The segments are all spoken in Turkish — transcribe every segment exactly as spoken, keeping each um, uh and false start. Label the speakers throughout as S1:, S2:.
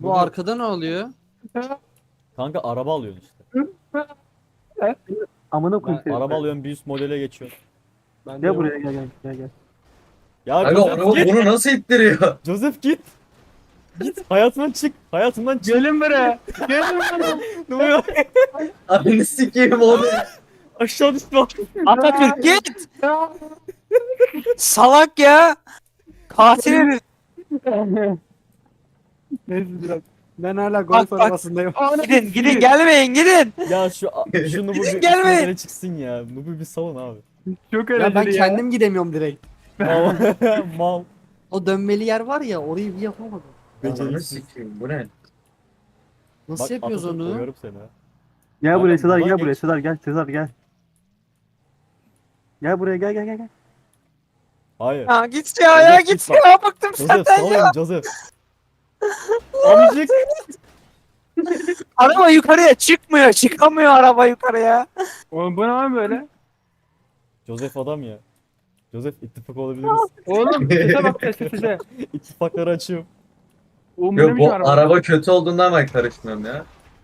S1: Bu arkada ne oluyor?
S2: Kanka araba alıyorsun işte.
S3: Amına koyayım seni.
S2: Araba alıyorsun bir üst modele geçiyorsun.
S1: Ben
S3: Gel buraya gel gel gel gel.
S2: Ya
S4: Aga
S2: Joseph
S4: araba
S2: git.
S4: bunu nasıl ittiriyor?
S2: Joseph git. Git hayatımdan çık. Hayatımdan çık.
S3: Gelin buraya. Gelin buraya.
S2: Ne oluyor?
S4: Ananı sikeyim onu.
S2: Aşağı düştü bak.
S5: Atatürk git. Salak ya. Katil herif.
S3: Neyse biraz.
S1: Ben hala
S5: Bak,
S1: golf
S5: bak.
S1: arabasındayım.
S5: Gidin gidin gelmeyin gidin.
S2: Ya şu şu Nub'u bir üst
S5: Gelmeyin.
S2: modele çıksın ya. Nub'u bir savun abi.
S3: Çok
S1: Ya
S3: eğlenceli
S1: ben
S3: ya.
S1: kendim gidemiyorum direkt.
S2: Mal. Mal.
S1: O dönmeli yer var ya orayı bir yapamadım.
S4: Ananı
S2: Beceriksiz.
S4: sikeyim bu ne?
S1: Nasıl
S2: Bak,
S1: yapıyoruz
S2: Atatürk
S1: onu?
S2: koyarım seni ha.
S3: Gel buraya
S2: Aynen,
S3: Sezar
S2: buradan
S3: gel buraya
S2: geç.
S3: Sezar gel Sezar gel. Gel buraya gel gel gel gel.
S2: Hayır.
S5: Ya git ya ya
S2: Joseph,
S5: git
S2: git bak.
S5: ya bıktım
S2: Joseph
S5: senden
S2: salın
S5: ya.
S2: Joseph. Amcık.
S5: Araba yukarıya çıkmıyor çıkamıyor araba yukarıya.
S3: Oğlum bu ne lan böyle?
S2: Joseph adam ya. Joseph ittifak olabiliriz.
S3: Oğlum sese bak sese sese.
S2: İttifakları açıyorum.
S3: Oğlum bu ne
S4: Yok
S3: biçim
S4: bu
S3: araba?
S4: araba kötü olduğundan ben karışmıyorum ya.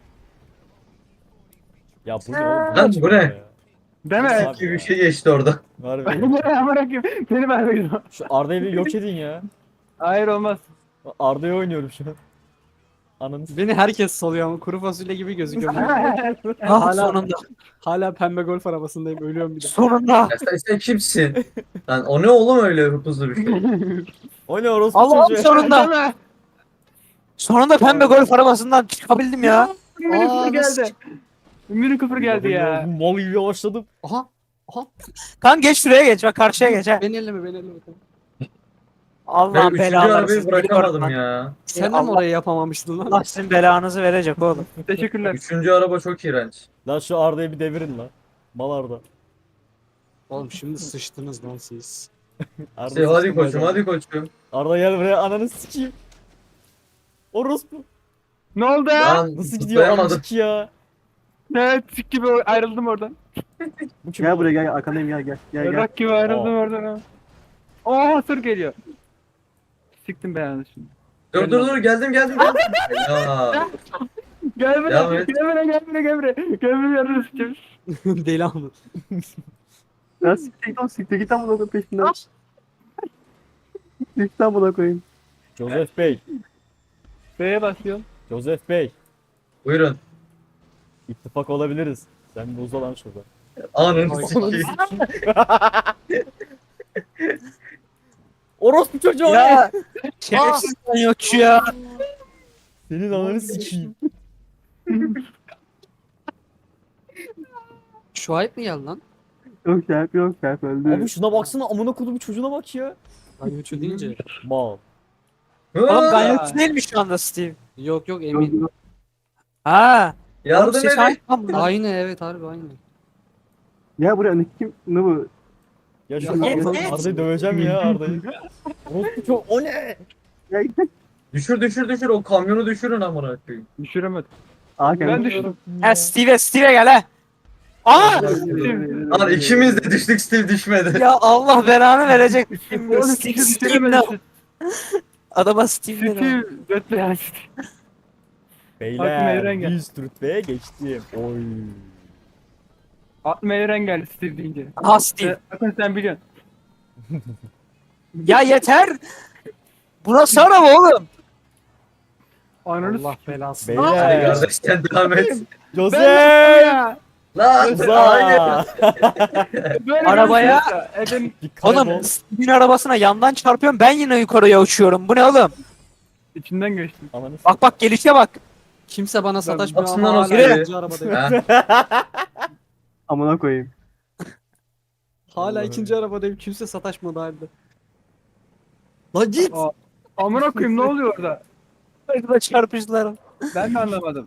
S2: Ya bu ne oğlum?
S4: Lan bu ne?
S2: Ya.
S3: Deme.
S2: Abi
S4: Gibi
S2: ya.
S4: bir şey geçti orada.
S2: Harbi.
S3: Bu ne amına koyayım? Beni vermeyin.
S2: Şu Arda'yı bir yok edin ya.
S3: Hayır olmaz.
S2: Arda'yı oynuyorum şu an. Ananı s-
S1: Beni herkes salıyor ama kuru fasulye gibi gözüküyorum.
S5: Ah
S1: Hala-
S5: sonunda
S1: Hala pembe golf arabasındayım ölüyorum bir de.
S5: sonunda.
S4: Ya sen, sen kimsin? Lan o ne oğlum öyle hızlı bir şey?
S2: O ne orospu
S5: Allah'ım
S2: çocuğu?
S5: sonunda. Sonunda pembe golf arabasından çıkabildim ya.
S3: Mini
S1: Aa,
S3: Cooper
S1: nasıl
S3: geldi. Mini Cooper geldi ya.
S2: Mal gibi yavaşladım.
S1: Aha. Aha.
S5: Kan geç şuraya geç bak karşıya geç ha.
S1: Beni elleme beni elleme.
S4: Ben
S5: Allah'ın
S4: üçüncü
S5: belaları
S4: arabayı
S5: siz biliyorum
S4: bırakamadım
S5: lan.
S4: ya.
S1: Sen de mi
S5: Allah-
S1: orayı yapamamıştın lan?
S5: Allah sizin belanızı verecek oğlum.
S3: Teşekkürler.
S4: Üçüncü araba çok iğrenç.
S2: Lan şu Arda'yı bir devirin lan. Mal Arda.
S1: Oğlum şimdi sıçtınız lan siz.
S2: Arda
S4: Şey, hadi
S2: sıçtın
S4: koçum
S2: bacağı.
S4: hadi koçum.
S2: Arda gel buraya ananı sikeyim. Orospu.
S3: Ne oldu?
S4: Lan
S2: Nasıl gidiyor
S4: tutlayamadım.
S2: amcık ya?
S3: Evet sik gibi ayrıldım oradan.
S2: Bu kim?
S3: Gel
S2: oğlum?
S3: buraya gel arkandayım gel gel. Gel gel. Bak gibi ayrıldım
S2: Aa.
S3: oradan. ha. Oo sır geliyor. Siktim belanı şimdi.
S4: Dur dur dur geldim geldim geldim. Ya.
S3: Gel buraya,
S4: Devam
S3: gel
S4: et.
S3: buraya, gel buraya, gel buraya. Gel buraya yardım sikeyim.
S1: Deli ama.
S3: Ya siktir git oğlum siktir git amına koyayım peşinden. Git amına koyayım.
S2: Joseph Bey.
S3: B'ye basıyorum.
S2: Joseph Bey.
S4: Buyurun.
S2: İttifak olabiliriz. Sen de uza lan şurada.
S4: Ananı sikeyim.
S2: Orospu çocuğu o ne?
S5: Ya şerefsiz yokçu ya.
S2: Senin ananı sikeyim.
S1: Şu ayıp mı geldi lan?
S3: Yok şerp yok şerp öldü.
S2: Abi şuna baksana amına kodumu çocuğuna bak ya.
S1: Ayıpçı deyince.
S2: Mal.
S5: Oğlum
S4: Aa,
S5: ganyotçu değil mi şu anda Steve?
S1: Yok yok emin.
S5: Ha. Oğlum
S4: Yardım
S5: ses
S4: edin.
S5: aynı lan bunlar.
S1: Aynı evet harbi aynı.
S3: Ya buraya ne kim ne bu?
S2: Ya şu
S1: Ya,
S2: Arda-
S5: evet.
S2: Arda'yı döveceğim ya Arda'yı. Orospu çocuğu o ne?
S3: Ya
S4: Düşür düşür düşür o kamyonu düşürün amına koyayım.
S3: düşüremedim. Aa Ben kendim düştüm.
S5: Ha Steve'e Steve'e gel ha. Aa!
S4: Lan ikimiz de düştük Steve düşmedi.
S5: Ya Allah belanı verecek.
S3: Oğlum
S5: Steve,
S3: siktir
S5: Steve ne?
S3: düşüremedim.
S5: Adama Steve dedi.
S3: Steve götle yani. Aklıma
S2: Beyler
S3: Eren gel.
S2: bir üst rütbeye geçtim. Oy.
S3: Aklıma Eren geldi Steve deyince.
S5: Aha Steve.
S3: Bakın sen biliyorsun.
S5: Ya yeter. Bu nasıl araba oğlum?
S3: Ananı
S1: Allah
S3: s**eyim.
S1: belasını.
S4: Hadi
S2: Beyler.
S4: kardeş sen devam et.
S3: Ben
S2: Joseph.
S3: ya.
S4: Lan hayır.
S2: Uza.
S3: Böyle
S5: Arabaya-
S3: bir şey yok ya. Efendim
S2: Bir kaybol.
S5: Oğlum Steve'in arabasına yandan çarpıyorum ben yine yukarıya uçuyorum. Bu ne oğlum?
S3: içinden geçtim.
S2: Ananı
S5: Bak bak gelişe bak.
S1: Kimse bana sataşmıyor
S4: Atsın
S1: ama
S4: lan o
S1: hala
S4: şeyi.
S1: ikinci arabadayım.
S4: Ha,
S3: Amına koyayım.
S1: Hala ikinci arabadayım. Kimse sataşmadı halde. La git.
S3: Aa, amına koyayım ne oluyor orada?
S5: Burada çarpıştılar.
S3: Ben de anlamadım.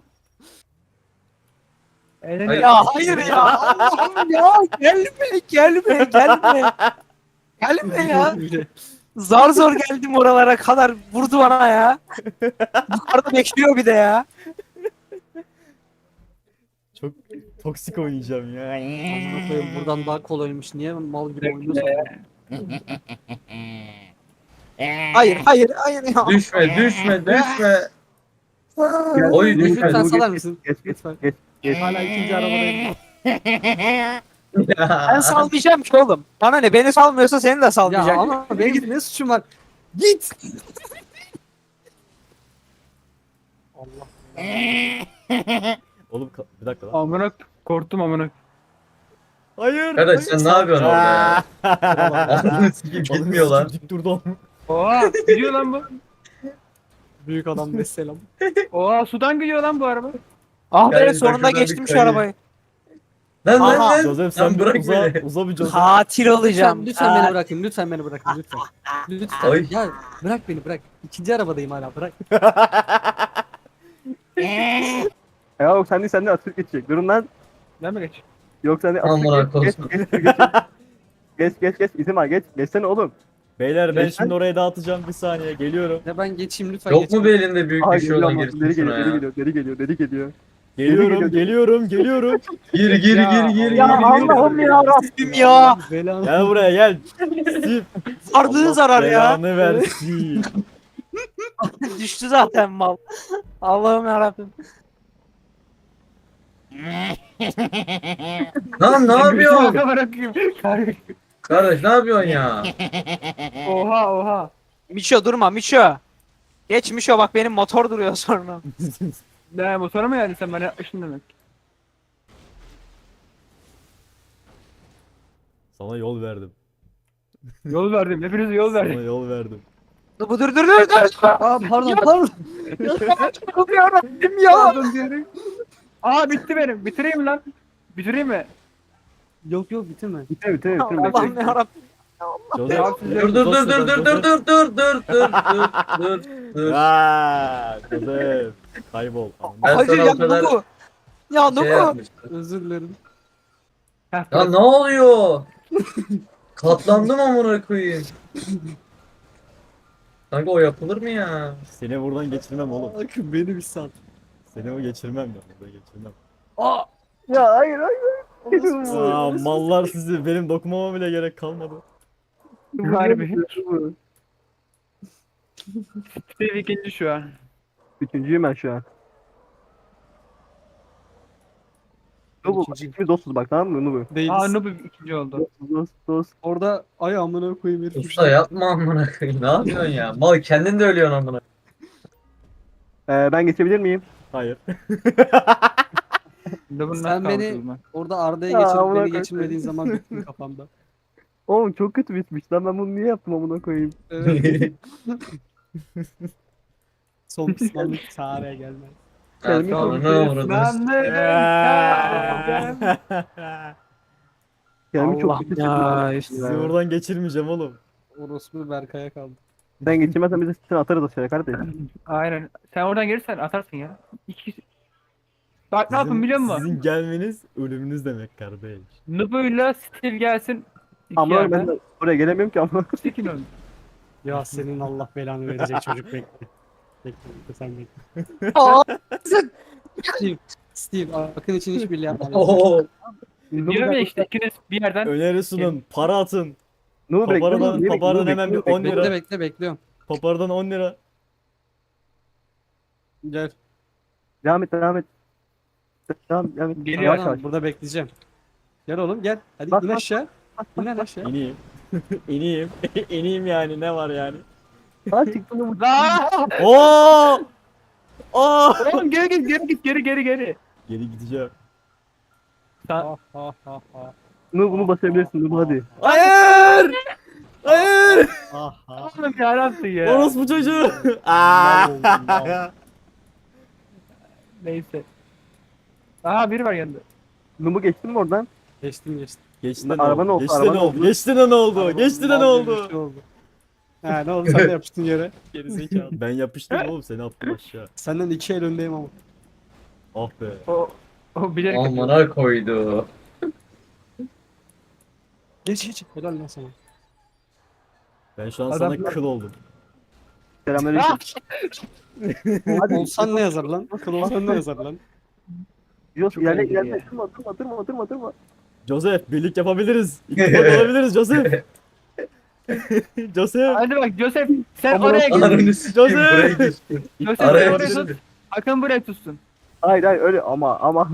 S3: Eğlence-
S4: Hayır.
S5: Ya hayır ya. Allah'ım ya. Gelme gelme gelme. Gelme ya. Zar zor geldim oralara kadar vurdu bana ya. Yukarıda bekliyor bir de ya.
S2: Çok toksik oynayacağım ya.
S1: Amına koyayım, buradan daha kolaymış. Niye mal gibi oynuyorsun?
S5: Hayır hayır hayır ya.
S4: düşme düşme düşme. Oy
S3: Geç,
S1: Lütfen
S3: geç,
S1: salar
S3: geç,
S1: mısın?
S3: Geç geç
S1: Lütfen.
S3: geç. geç.
S1: Hala ikinci arabadayım.
S5: Ben salmayacağım ki oğlum. Bana ne? Beni salmıyorsa seni de
S1: Ya
S5: salmayacak.
S1: ama benim ne suçum var? Git. Allah.
S2: Oğlum ka- bir dakika lan.
S3: Amına korktum amına.
S2: Hayır.
S4: Kardeş sen ne yapıyorsun orada ya? Ananı sikeyim
S2: Oğlum
S4: gitmiyor lan.
S2: Dik durdu.
S3: Oha gidiyor lan bu.
S1: Büyük adam mesela.
S3: Oha sudan gidiyor lan bu araba.
S5: Ah be
S4: Yani
S5: sonunda
S4: şuradan bir
S5: geçtim şu
S4: kayayım.
S5: arabayı.
S4: Lan lan
S5: Aha,
S4: lan.
S2: Joseph sen
S4: Lan
S2: bir
S4: bırak
S2: uza,
S4: beni.
S2: uza bir Joseph.
S5: Katil olacağım.
S1: Lütfen, lütfen beni
S5: Katil.
S1: bırakın. Lütfen beni bırakın. Lütfen. Lütfen.
S4: Ay.
S1: Ya bırak beni bırak. İkinci arabadayım hala bırak.
S3: Ya yok sen de sen de atır geçecek. Durun lan. Ben mi geç? Yok sen de
S4: Amına
S3: atır geç.
S4: koyayım.
S3: Geç geç geç. Geç geç geç. İzin var geç. Geçsene oğlum.
S2: Beyler ben
S3: Geçen-
S2: şimdi oraya dağıtacağım bir saniye geliyorum.
S1: Ya ben geçeyim lütfen
S4: Yok
S1: geçeyim.
S4: mu bir elinde büyük
S3: Aha
S4: bir şey
S3: geliyor
S4: olan
S3: ama.
S4: girsin
S3: Deri
S4: şuna
S3: geliyor, deri
S4: ya.
S3: geliyor, deri geliyor, deri geliyor.
S2: Geliyorum
S3: geliyor.
S2: geliyorum geliyorum.
S4: Gir gir
S3: Ya
S4: gir gir
S5: Ya
S4: gir.
S5: Allah'ım ya Rabbim ya.
S1: Belanı.
S2: Gel buraya gel. Steve.
S5: Ardığın
S2: Allah
S5: zarar ya.
S2: belanı versin.
S5: Düştü zaten mal. Allah'ım ya Rabbim.
S4: Lan ne yapıyorsun?
S3: Bırakayım.
S4: Kardeş ne yapıyorsun ya?
S3: Oha oha.
S5: Miço durma Miço. Geç Miço bak benim motor duruyor sonra.
S3: Ne motora mı geldin sen bana yapmışsın demek.
S2: Sana yol verdim.
S3: Yol verdim. Hepinize yol
S2: Sana
S3: verdim.
S2: yol verdim.
S5: Dur dur dur dur dur.
S1: Aa pardon pardon.
S5: Allah'ım ya Rabbim ya.
S3: Pardon diyelim. Aa bitti benim. Bitireyim lan. Bitireyim mi?
S1: Yok yok bitirme.
S3: Bitir bitir bitir.
S5: Allah'ım ya Rabbim.
S2: Joseph.
S4: Dur dur dur dur dur dur dur dur dur dur dur dur.
S2: Aaa Joseph. Kaybol.
S4: Ben
S5: Hayır
S4: sana
S5: ya
S4: o kadar
S5: Nubu. Ya
S4: Şey
S5: Nubu.
S4: yapmıştım.
S1: Özür dilerim.
S4: Ya ne oluyor? Katlandım amına koyayım. Kanka o yapılır mı ya?
S2: Seni buradan geçirmem oğlum.
S1: Akın beni bir sal.
S2: Seni o geçirmem ben. Burada geçirmem.
S1: Aa.
S3: Ya hayır hayır.
S2: Aa, mallar sizi. Benim dokunmama bile gerek kalmadı.
S3: Harbi. Steve ikinci şu an. Üçüncüyüm ben şu an. Nubu
S1: İkinci.
S3: ikimiz dostuz bak tamam mı Nubu?
S1: Değiliz.
S3: Aa Nubu ikinci oldu. Dost dost dost.
S1: Orada ay amına koyayım herif.
S4: Usta yapma amına koyayım. Ne yapıyorsun ya? Mal kendin de ölüyorsun amına.
S3: Ee, ben geçebilir miyim?
S2: Hayır.
S3: Nubu'nun
S1: Sen
S3: nasıl
S1: beni-
S3: kaldırdın lan?
S1: Orada Arda'ya
S3: Ya,
S1: geçirip
S3: amına
S1: beni
S3: koyayım.
S1: geçirmediğin zaman bittin kafamda.
S3: Oğlum çok kötü bitmiş lan ben bunu niye yaptım amına koyayım?
S1: Evet. Son pişmanlık çareye gelmez.
S4: Ha, tamam, ne uğradınız?
S3: Kendimi çok
S5: Allah
S3: kötü
S5: ya,
S3: hissettim.
S2: Sizi buradan geçirmeyeceğim oğlum.
S1: Orospu Berkay'a kaldı.
S3: Sen geçirmezsen biz de seni atarız aşağıya kardeşim.
S6: Aynen. Sen oradan gelirsen atarsın ya. İki... Bak ne
S2: Sizin-
S6: yapın biliyor musun?
S2: Sizin gelmeniz ölümünüz demek kardeş.
S6: Nubu'yla Steve gelsin. İki
S3: Amına
S6: yerden.
S3: ben de oraya gelemiyorum ki amına.
S6: Sikin onu.
S1: Ya senin Allah belanı verecek çocuk bekle. Bekle bekle sen bekle.
S5: Aa,
S1: Steve, Steve Akın için hiçbir yapma.
S4: Oo.
S6: Diyorum ya işte ikiniz bir yerden.
S2: Öneri sunun. Para atın.
S3: Nubu bekle.
S2: Papara'dan,
S3: Nubu,
S2: Papara'dan
S3: Nubu,
S2: hemen bir
S3: bekle,
S2: on
S3: bekle.
S2: lira.
S1: Bekle bekle bekliyorum.
S2: Papara'dan on lira.
S1: Gel.
S3: Devam et devam et. Devam, devam et.
S6: Geliyor.
S3: Yavaş
S1: Tamam,
S3: yavaş.
S1: burada bekleyeceğim. Gel oğlum gel. Hadi
S3: Bak,
S1: in
S3: bak,
S1: aşağı. İn lan aşağı.
S2: İneyim. İneyim. İneyim yani ne var yani.
S3: Aa çıktı Nubu.
S6: Aa!
S2: Oo! Oo!
S6: Oğlum geri git geri git geri geri geri.
S2: Geri gideceğim.
S6: Sen...
S1: Ha ha ha ha.
S3: Nubu bunu basabilirsin Nubu hadi.
S2: Hayır! Hayır!
S1: Ha ha.
S6: Oğlum yarabbim ya.
S2: Orospu çocuğu.
S1: Mal oldum, mal.
S2: Aa!
S6: Neyse. Aha biri var yanında.
S3: Nubu geçtin mi oradan?
S1: Geçtim geçtim.
S2: Geçti de ne
S3: Araban
S2: oldu?
S3: oldu,
S2: Geçti de
S3: araban
S2: ne oldu?
S3: oldu.
S2: Geçti de ne oldu? Geçti de ne
S1: Mal gibi bir
S2: oldu?
S1: şey oldu. Ha ne oldu sen de yapıştın yere. Gerizekalı.
S2: Ben yapıştım oğlum seni attım aşağı.
S1: Senden iki el öndeyim ama.
S2: Ah be.
S6: O o bilerek yapıyor.
S4: Amına koydu.
S1: Geç geç. Helal lan sana.
S2: Ben şu an
S6: Adam-
S2: sana kıl oldum.
S3: Selamünaleyküm.
S1: Olsan ne yazar lan? Kıl olsan ne yazar lan?
S3: Yok
S6: Çok
S3: ilerle
S6: eğlenceli
S3: ilerle
S6: ya.
S3: durma durma durma durma durma.
S2: Joseph birlik yapabiliriz. İttifak olabiliriz Joseph. Joseph.
S6: Hadi bak Joseph sen
S3: Aman
S6: oraya git.
S4: Ananı sikeyim
S2: Joseph!
S4: buraya geçtim.
S6: Joseph sen
S4: Araya
S6: oraya
S4: düştüm.
S6: tut. Hakan buraya tutsun.
S3: Hayır hayır öyle ama ama.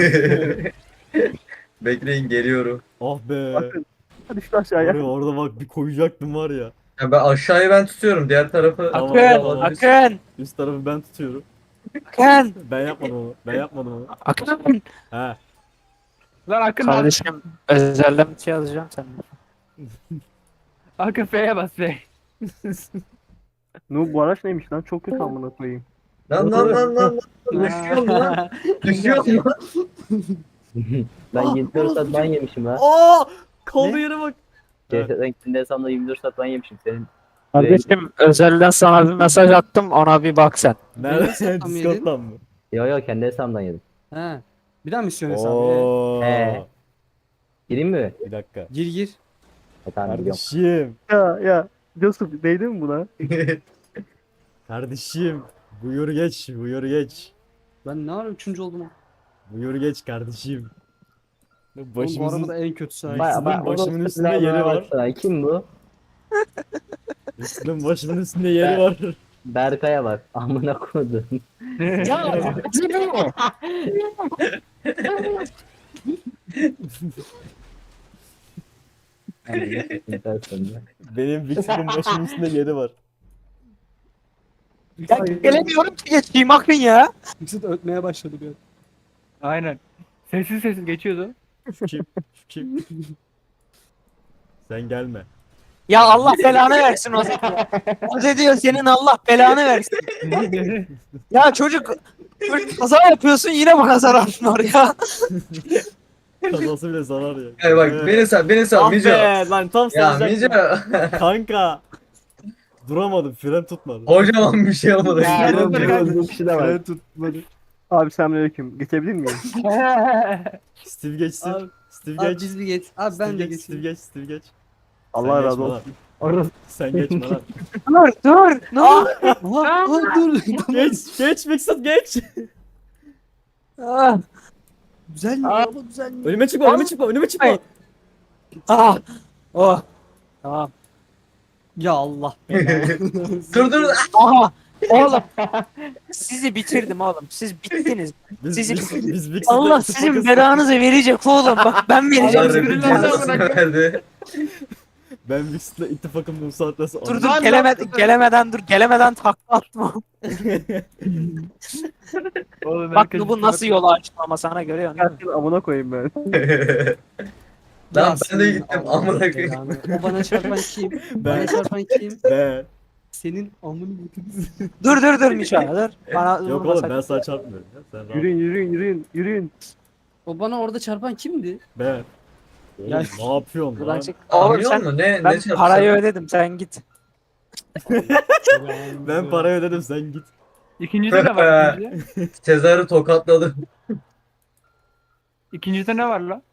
S4: Bekleyin geliyorum.
S2: Ah be.
S3: Bakın. Hadi şu aşağıya.
S2: Oraya, orada bak bir koyacaktım var ya.
S4: Ya ben aşağıyı ben tutuyorum. Diğer tarafı
S2: Tamam,
S5: Akın,
S2: tamam.
S5: Akın,
S2: Üst tarafı ben tutuyorum.
S5: Akın,
S2: Ben yapmadım onu. Ben yapmadım onu.
S5: Akın.
S2: He.
S6: Lan Akın
S5: Kardeşim özelden bir şey yazacağım senden.
S6: Akın F'ye bas F.
S3: Nu bu araç neymiş lan? Çok kötü amına koyayım.
S4: Lan lan lan lan. Düşüyorum lan. Düşüyorum lan.
S7: Ben yirmi dört saat ban yemişim ha.
S2: Aa! Kaldığı yere bak.
S7: C S'den kendi hesabımda yirmi dört saat ban yemişim senin.
S5: Kardeşim özelden sana bir mesaj attım ona bir bak sen.
S2: Nerede?
S1: Tam yedin.
S2: Discord'dan mı?
S7: Yo yo kendi hesabımdan yedim.
S1: He. Bir daha misyon hesabı.
S2: Oo.
S7: He. Gireyim mi?
S2: Bir dakika.
S1: Gir gir.
S7: E, tamam gidiyorum.
S2: Kardeşim.
S3: Ya ya. Joseph değdi mi buna?
S2: Kardeşim. Buyur geç. Buyur geç.
S1: Ben ne ara üçüncü oldum? Oğlum,
S2: Buyur geç kardeşim.
S1: bu
S2: Başımızın,
S1: arabada en kötüsü. ha.
S7: Baya baya
S2: başımın üstünde yeri var.
S7: Kim bu?
S2: Üstünün başının üstünde yeri var.
S7: Berkay'a bak. Amına koydum.
S2: Benim Vixen'ın başının üstünde yeri var.
S5: Ya gelemiyorum ki geçeyim Akın ya.
S1: Yüksek ötmeye başladı bir an.
S6: Aynen. Sessiz sessiz geçiyordu.
S2: Şu kim? Şu kim? Sen gelme.
S5: Ya Allah belanı versin o zaman. O da diyor senin Allah belanı versin. Ya çocuk, çocuk kaza yapıyorsun yine bana zararın ya.
S2: Kazası bile zarar ya.
S4: Hayır bak beni sal beni sal
S2: Ah
S4: Mico.
S2: be lan tam
S4: Ya
S2: saracaktım.
S4: Mico.
S2: Kanka. Duramadım, fren tutmadı.
S4: Kocaman bir şey olmadı.
S3: Bu kişi de var.
S2: Fren tutmadı.
S3: Abi selamünaleyküm. Geçebilir miyim?
S2: Steve geçsin.
S1: Abi,
S2: Steve
S1: Abi
S2: geç.
S1: biz bir geç. Abi
S2: Steve
S1: ben de
S2: geç, Steve
S1: geçeyim.
S2: geç, Steve geç.
S3: Allah
S2: Sen
S3: razı
S2: geçme
S3: olsun.
S2: lan. Sen geçme lan.
S5: Dur dur. Ne oldu?
S1: Aha, aha, dur.
S2: Geç, geç Mixit geç.
S5: Ah,
S1: Güzel mi? Araba güzel mi?
S2: Önüme çıkma, önüme çıkma, önüme çıkma.
S5: Ay. ah. Oh. Tamam.
S1: Ya Allah belanı.
S4: Dur dur.
S5: Aha. Oğlum. Sizi bitirdim oğlum. Siz bittiniz.
S2: Biz,
S5: Sizi-
S2: biz, biz Mixit'e
S5: Allah sizin belanızı verecek oğlum. Bak ben vereceğim.
S4: Allah Rabbi cezasını verdi.
S2: Ben Mixit'le ittifakım bu saatten sonra.
S5: Dur dur gelemeden gelemeden dur gelemeden takla atma.
S6: Oğlum,
S5: Bak
S6: herkes
S5: bu nasıl yolu açtı ama sana görüyorsun değil mi?
S3: Gerçekten amına koyayım ben.
S4: Lan
S1: Ya
S4: ben de
S1: senin
S4: gittim
S1: Allah
S4: amına koyayım.
S1: belanı. O bana çarpan kim?
S2: Ben.
S1: Bana çarpan kim?
S2: Be.
S1: Senin amını götürsün.
S5: Dur dur dur Mişa dur. Bana
S2: Yok
S5: vurma
S2: oğlum
S5: sakın.
S2: ben sana çarpmıyorum ya. Sen rahat.
S3: Yürüyün yürüyün yürüyün yürüyün.
S1: O bana orada çarpan kimdi?
S2: Be. Oğlum
S1: Ya-
S2: ne yapıyorsun
S5: Buradan
S2: lan?
S5: çık. Oğlum
S4: Anlıyor
S5: sen
S4: musun? Ne
S5: ben
S4: ne çarptı?
S5: parayı ödedim sen git.
S2: Ben parayı ödedim sen git.
S6: İkincide ne var? ikincide?
S4: Sezar'ı tokatladım.
S6: İkincide ne var lan?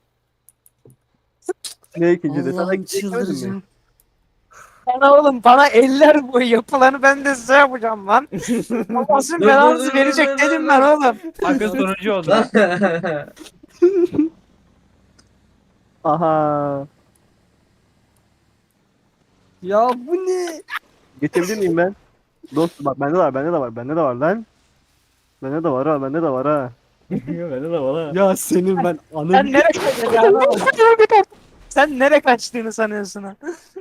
S3: Ne ikinci de? Sana
S1: Allah'ım
S3: gidecek mi?
S1: çıldıracağım.
S5: Bana oğlum bana eller boyu yapılanı ben de size yapacağım lan. Babasının
S4: Dur,
S5: belanızı
S4: dur, dur,
S5: verecek
S4: dur, dur,
S5: dedim
S4: dur.
S5: ben oğlum.
S6: Akın sonuncu oldu.
S4: Lan.
S3: Aha.
S1: Ya bu ne?
S3: Geçebilir miyim ben? Dostum bak bende de var bende de var bende de var lan. Bende de var ha bende de var ha.
S2: Bende de var ha.
S1: Ya senin ben
S5: Sen
S1: anın...
S5: nereye kaçtın? Sen nereye kaçtığını sanıyorsun ha?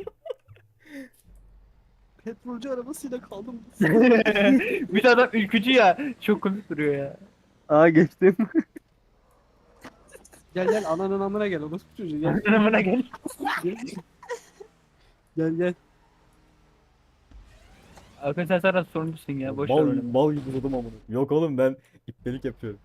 S1: Petrolcü arabasıyla kaldım.
S6: Bir de adam ülkücü ya. Çok komik duruyor ya.
S3: Aa geçtim.
S1: Gel gel ananın amına gel orospu çocuğu gel.
S6: Yanımına gel.
S1: Gel gel.
S6: Akın sen sana sorumlusun ya. Boş ver
S2: Mal,
S6: onu.
S2: mal gibi durdum amına. Yok oğlum ben iptelik yapıyorum.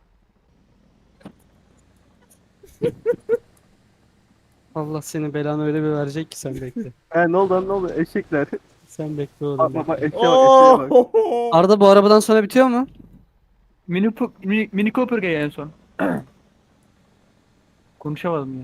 S1: Allah senin belanı öyle bir verecek ki sen bekle.
S3: Ha ne oldu lan ne oldu eşekler.
S1: Sen bekle oğlum.
S3: Bak
S1: bekle.
S3: bak bak eşeğe bak eşeğe bak.
S1: Arda bu arabadan sonra bitiyor mu?
S6: Mini, Pu- mini, mini Cooper gel en son. Konuşamadım ya.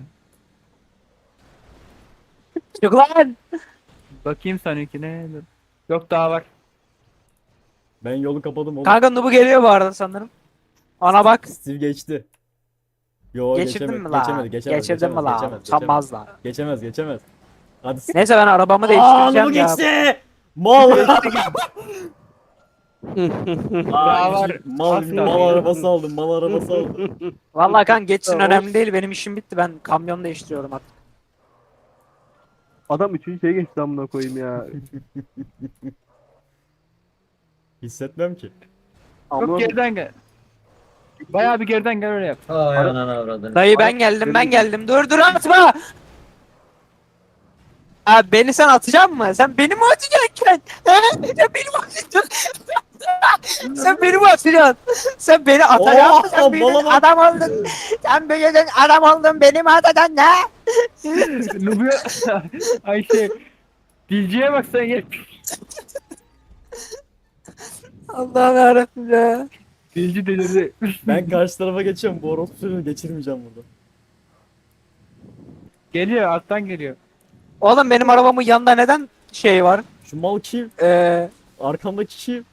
S5: Çık lan.
S6: Bakayım seninkine. Dur. Yok daha var.
S2: Ben yolu kapadım oğlum.
S5: Kanka Nubu geliyor bu arada sanırım. Ona bak.
S2: Steve geçti. Yo
S5: Geçirdin
S2: geçemedi,
S5: mi lan?
S2: geçemedi, geçemedi,
S5: Geçirdin mi
S2: geçemez,
S5: lan?
S2: geçemez,
S5: Utanmaz lan.
S2: Geçemez, geçemez. Hadi s-
S5: Neyse ben arabamı
S2: Aa,
S5: değiştireceğim
S2: bu
S5: ya.
S2: geçti. Mal. Aa,
S6: var.
S2: mal,
S6: Asla.
S2: mal arabası aldım. Mal arabası aldım.
S5: Vallahi kan geçsin önemli değil. Benim işim bitti. Ben kamyon değiştiriyorum artık.
S3: Adam üçüncü şeye geçti amına koyayım ya.
S2: Hissetmem ki.
S6: Çok
S3: Amına
S6: geriden gel. Bayağı bir geriden gel öyle yap.
S4: Ay ananı avradını.
S5: Dayı ben geldim ben geldim. Dur dur atma. Abi beni sen atacak mısın? Sen beni mi atacaksın? He? Sen beni mi atacaksın? Sen beni mi atacaksın? Sen beni atacaksın. Sen
S2: Oo,
S5: beni
S2: bala bak.
S5: adam oldun. Sen beni adam oldun. Beni mi atacaksın ne?
S6: Nubuya Ayşe. Dilciye bak sen gel.
S5: Allah'ım yarabbim ya.
S6: Dilci delirdi.
S2: Ben karşı tarafa geçiyorum. Bu orospuyu geçirmeyeceğim burada.
S6: Geliyor alttan geliyor.
S5: Oğlum benim arabamın yanında neden şey var?
S2: Şu mal kim?
S5: Ee,
S2: Arkamdaki kim?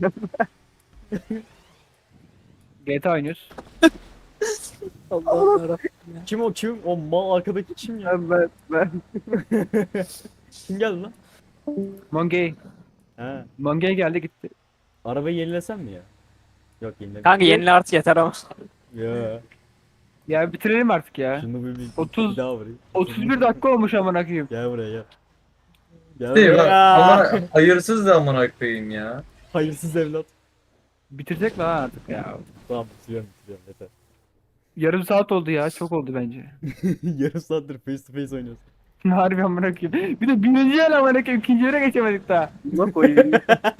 S6: G T A oynuyoruz.
S5: Allah'ım yarabbim.
S2: Kim o kim? O mal arkadaki kim ya?
S3: ben ben ben.
S2: Kim geldi lan?
S6: Mongey.
S2: He.
S6: Mongey geldi gitti.
S2: Arabayı yenilesem mi ya? Yok yenile.
S5: Kanka yenile artık yeter ama.
S2: Ya.
S6: Ya bitirelim artık ya.
S2: Şunu bir, bir,
S6: otuz
S2: bir daha vurayım.
S6: otuz bir dakika olmuş amına koyayım.
S2: Gel buraya gel. Gel
S4: Değil bak.
S2: buraya.
S4: Ama hayırsız da amına koyayım ya.
S2: Hayırsız evlat.
S6: Bitirecek lan artık ya.
S2: Tamam bitiriyorum bitiriyorum yeter.
S6: Yarım saat oldu ya. Çok oldu bence.
S2: Yarım saattir face to face oynuyoruz.
S6: Harbi amına koyayım. Bir de birinci yer amına koyayım. İkinci yere geçemedik daha.
S3: Amına koyayım.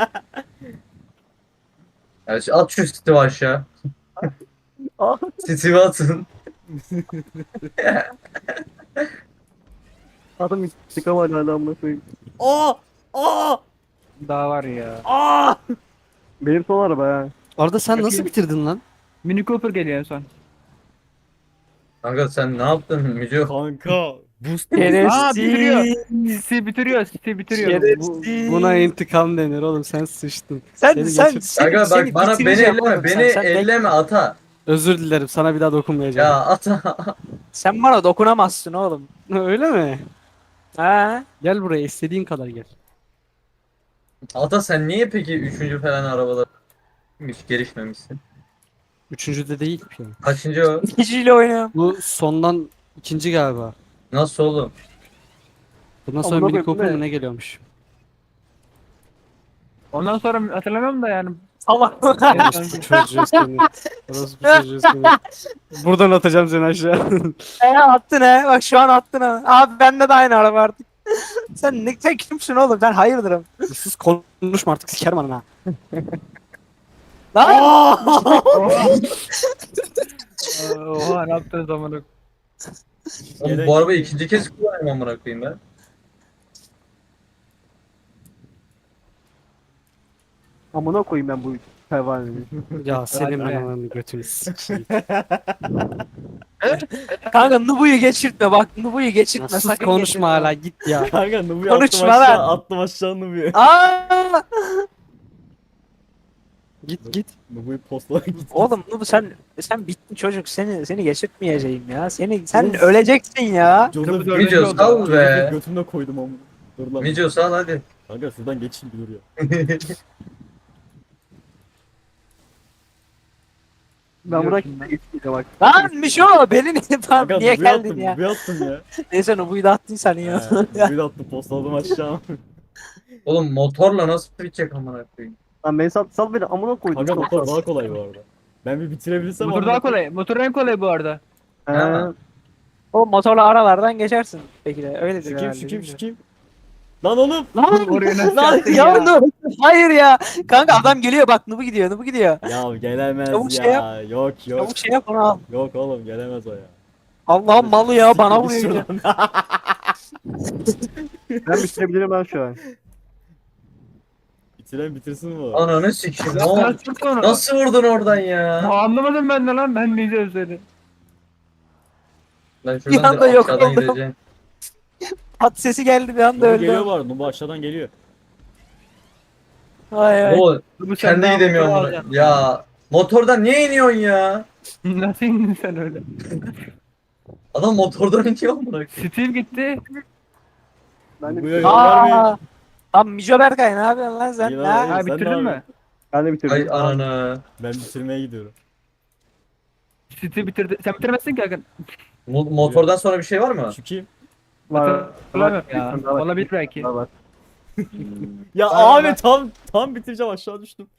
S4: Ya şu- at şu Steve'i aşağı.
S3: Ah.
S4: Steve'i atın.
S3: Adam çıkamadı hala amına koyayım.
S2: Aa! Aa!
S6: Daha var ya.
S2: Aa!
S3: Benim son araba ya.
S1: Arda sen nasıl
S6: Bakayım.
S1: bitirdin lan?
S6: Mini Cooper geliyor en son.
S4: Kanka sen ne yaptın Müco?
S2: Kanka boost.
S6: Aa bitiriyor.
S5: Şerefsiz.
S6: City bitiriyor. City bitiriyor.
S5: Şerefsiz.
S1: Buna intikam denir oğlum, sen sıçtın.
S5: Sen
S1: Seni
S5: sen
S1: geçir-
S5: seni,
S4: Kanka
S5: seni
S4: bak bana beni
S5: bitireceğim
S4: elleme.
S5: oğlum
S4: Beni
S5: sen. Sen, bek-
S4: elleme ata.
S1: Özür dilerim, sana bir daha dokunmayacağım.
S4: Ya ata.
S5: sen bana dokunamazsın oğlum.
S1: Öyle mi?
S5: Ha?
S1: Gel buraya, istediğin kadar gel.
S4: Ata sen niye peki üçüncü falan arabada hiç gelişmemişsin?
S1: Üçüncüde değil ki.
S4: Kaçıncı o?
S5: İkiciyle oynuyorum.
S1: Bu sondan ikinci galiba.
S4: Nasıl oğlum?
S1: Bundan sonra
S3: Amına
S1: Mini
S3: koyayım,
S1: Cooper
S3: ne?
S1: mı ne geliyormuş?
S6: Ondan sonra hatırlamıyorum da yani.
S5: Allah.
S1: Orospu çocuğu seni. Orospu çocuğu seni. Buradan atacağım seni aşağı.
S5: He attın he. Bak şu an attın ha. Abi bende de aynı araba artık. Sen ne sen kimsin oğlum? Ben hayırdırım.
S1: Sus konuşma artık, sikerim anana.
S5: Lan.
S6: Oha. Oha ne yaptın zamanı?
S4: Oğlum
S2: Gerek-
S4: bu arabayı ikinci kez kullanıyorum amına koyayım ben.
S3: Amına koyayım ben bu pervaneyi.
S1: Ya senin ben
S6: Hadi.
S1: ananı götünü sikeyim.
S5: Kanka Nubu'yu geçirtme bak. Nubu'yu geçirtme.
S1: Sus
S5: sakın
S1: konuşma
S5: geçirtme.
S1: hala, git ya.
S2: Kanka Nubu'yu
S5: Konuşma
S2: attım aşağı.
S5: lan.
S2: Attım aşağı Nubu'yu.
S5: Aa!
S1: Git git.
S2: Nubu'yu postala git.
S5: Oğlum Nubu sen sen bittin çocuk. Seni seni geçirtmeyeceğim ya. Seni sen öleceksin ya.
S2: Joseph
S6: Nubu dördüncü
S4: Müco
S6: oldu.
S4: sal be.
S2: Götümde koydum ama. Dur lan.
S4: Müco sal hadi.
S2: Kanka şuradan geçeyim bir dur ya.
S3: Ben buna
S6: Biliyorsun lan.
S3: geçmeyeceğim bak.
S5: Lan Mişo beni niye,
S2: Kanka
S5: niye
S2: Nubu'yu
S5: geldin
S2: attım,
S5: ya?
S2: Nubu'yu attım ya.
S5: Neyse Nubu'yu da attın sen ya.
S2: He, Nubu'yu da attım postaladım aşağı.
S4: Oğlum motorla nasıl bitecek amına koyayım?
S3: Lan beni sal, sal beni amına koydum.
S2: Kanka motor daha kolay bu arada. Ben bir bitirebilirsem
S6: Motor
S2: amına
S6: daha
S2: koyayım.
S6: kolay. Motor en kolay bu arada.
S3: He.
S5: O motorla aralardan geçersin. Peki de öyledir
S2: Şu kim
S5: herhalde,
S2: şu kim şu
S5: bilmiyorum.
S2: kim? Lan oğlum.
S5: Lan
S6: Oraya nasıl
S5: lan
S6: yaptın
S5: ya,
S6: ya?
S5: Nubu. Hayır ya. Kanka adam geliyor bak Nubu gidiyor Nubu gidiyor.
S2: Ya gelemez
S5: Çabuk
S2: ya.
S5: şey yap.
S2: Yok yok.
S5: Çabuk şey yap onu al.
S2: Yok oğlum gelemez o ya.
S5: Allah'ım malı ya bana vuruyor.
S2: Siktir
S5: ya.
S2: git şuradan.
S3: Ben bitirebilirim ben şu an.
S2: Bitiren bitirsin bu.
S4: Ananı sikeyim. Ne oldu?
S6: Nasıl sonra?
S4: Nasıl vurdun oradan ya?
S6: Aa, anlamadım ben de lan. Ben diyeceğim seni.
S4: Ben
S5: Bir
S4: şuradan
S5: anda
S4: da
S5: yok
S4: aşağıdan
S5: oldum.
S4: gideceğim.
S5: At sesi geldi bir anda
S2: Nubu geliyor
S5: öldü.
S2: var. Nubu aşağıdan geliyor.
S5: Ay ay.
S4: O
S6: Bu
S4: kendi
S6: daha
S4: gidemiyor
S6: motor
S4: amına.
S6: alacaksın.
S4: Ya motordan niye iniyorsun ya?
S6: Nasıl indin sen öyle?
S4: Adam motordan iniyor amına koyayım.
S6: Steve gitti.
S3: Ben de
S2: Nubu'ya yol vermeyin.
S5: Aa. Tam Mijo Berkay ne yapıyorsun lan sen?
S2: İyi
S5: Ha?
S2: lan,
S6: Ha
S2: sen ne
S6: bitirdin mi?
S2: yapıyorsun?
S3: Ben de bitirdim.
S4: Ay anana.
S2: Ben bitirmeye gidiyorum.
S6: City bitirdi. Sen bitiremezsin ki Hakan.
S4: Mo- motordan sonra bir şey var mı?
S2: Şu kim?
S3: Var.
S6: Hatırlamıyorum ya.
S3: Bir tane daha var.
S6: Olabilir belki.
S3: Var, var.
S2: Ya
S4: Aynen
S2: abi
S4: ben-
S2: tam tam bitireceğim aşağı düştüm.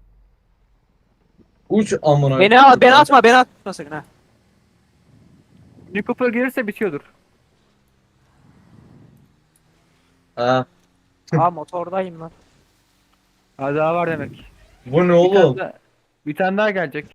S4: Uç amına.
S5: Beni al, beni atma, beni atma sakın ha.
S6: New Cooper gelirse bitiyordur.
S4: Ha.
S5: Aa motordayım lan.
S6: Ha daha var demek.
S4: Bu ne
S6: Bir
S4: oğlum?
S6: tane daha, bir tane daha gelecek.